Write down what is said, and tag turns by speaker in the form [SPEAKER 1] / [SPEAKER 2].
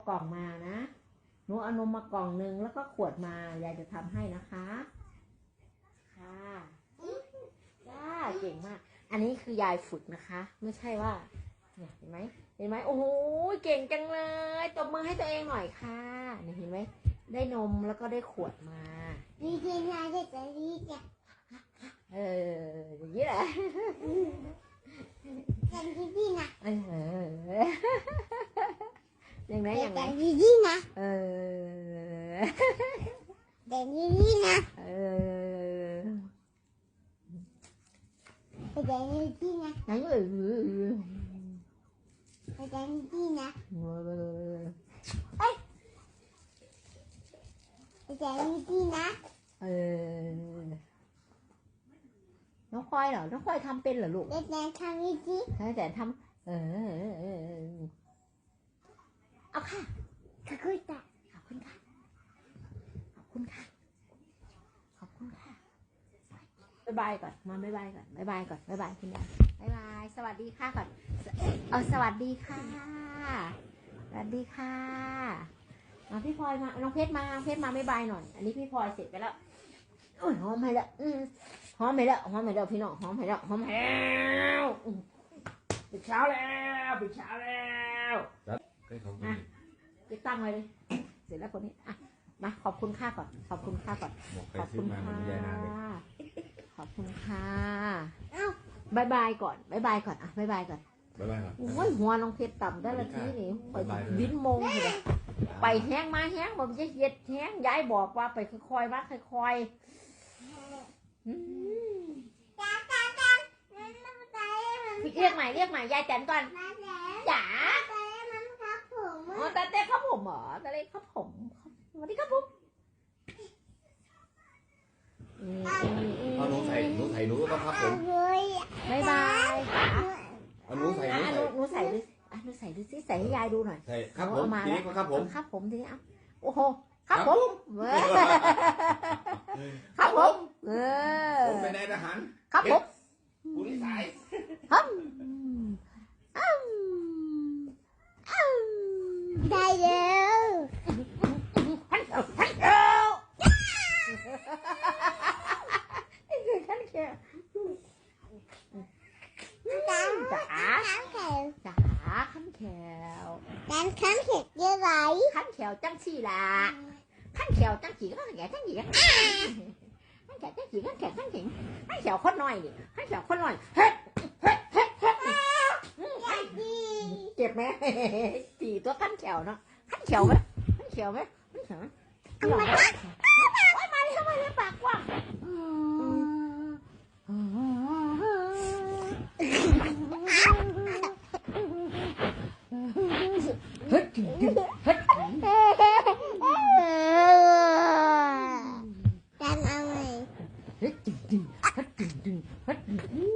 [SPEAKER 1] กล่องมานะหนูเอานมมากล่องนึงแล้วก็ขวดมายายจะทำให้นะคะค่ะจ้าเก่งมากอันนี้คือยายฝึกนะคะไม่ใช่ว่าเนี่ยเห็นไหมโอ้โหเก่งจังเลยตบมือให้ตัวเองหน่อยค่ะเนี่ยเห็นไหมได้นมแล้วก็ได้ขวดมา
[SPEAKER 2] ดีจริงนะจะดีจ้ะ
[SPEAKER 1] อย่างนี้แหละ
[SPEAKER 2] จะดีนะ
[SPEAKER 1] อย่างไรอย่างไร
[SPEAKER 2] จะดีนะจะดีนะจะดีนะ
[SPEAKER 1] ไหน
[SPEAKER 2] จะดีนะจะดีนะ
[SPEAKER 1] น้องควายเหรอน้องควายทำเป็นเหรอลูก
[SPEAKER 2] แต่ทำดี
[SPEAKER 1] แต่ทำเอาค่ะ
[SPEAKER 2] ขอบคุณค่ะ
[SPEAKER 1] ขอบคุณค่ะขอบคุณค่ะขอบคุณค่ะบ๊ายบายก่อนมาบ๊ายบายก่อนบ๊ายบายก่อนบ๊ายบายคุณยายบ๊ายบายสวัสดีค่ะก่อนสวัสดีค่ะสวัสดีค่ะมาพี่พลอยมาน้องเพชรมาบ๊ายบายหน่อยอันนี้พี่พลอยเสร็จไปแล้วโอ้ยหอมไปแล้วหอมไปแล้วพี่น้องหอมไปแล้วปิดเช้าแล้วจะตั้งไว้เลยเสร็จแล้วคนนี้อ่ะมาขอบคุณค่าก่อนขอบคุณค่ะขอบคุณค่ะบายบายก่อนอ่ะบายบายก่อนโอ้ยหัวน้องเพชรต่ำได้ละทีนี่ไปบินโมงเลยไปแห้งมาแห้งผมจะเย็ดแห้งย้ายบอกว่าไปค่อยๆมาค่อยเรียกใหม่ยายแตนก่อนจ๋าตาเต้ครับผมเหรอตาเต้ครับผมสวัสดีครับผม
[SPEAKER 3] หนูใส่หนูก็ต้องครับผม
[SPEAKER 1] บายบาย
[SPEAKER 3] หนูใส่
[SPEAKER 1] ดูสิใส่ให้ยายดูหน่อย
[SPEAKER 3] ใส่ครับผมทีนี้ก็ครับผม
[SPEAKER 1] ทีนี้โอ้โหครับผมครับผม
[SPEAKER 3] ผมเป็นนายทหาร
[SPEAKER 1] ครับผม
[SPEAKER 3] ผู้นิสัย
[SPEAKER 2] ได้แล้ว
[SPEAKER 1] ขั้นแขวจ๋าขั้นแขว
[SPEAKER 2] ขั้นแขกเยอะไร
[SPEAKER 1] ขั้นแขวจังสี่ล่ะขั้นแขวจังสี่ก็แขวจังสี่ขั้นแขวจังสี่ขั้นแขวคนน้อยนี่ขั้นแขวคนน้อยเจ็บไหมตีตัวขั้นแขวเนาะขั้นแขวไหมโอ๊ยมาเลยทำไมปากกว้าง
[SPEAKER 2] ดันเอาไง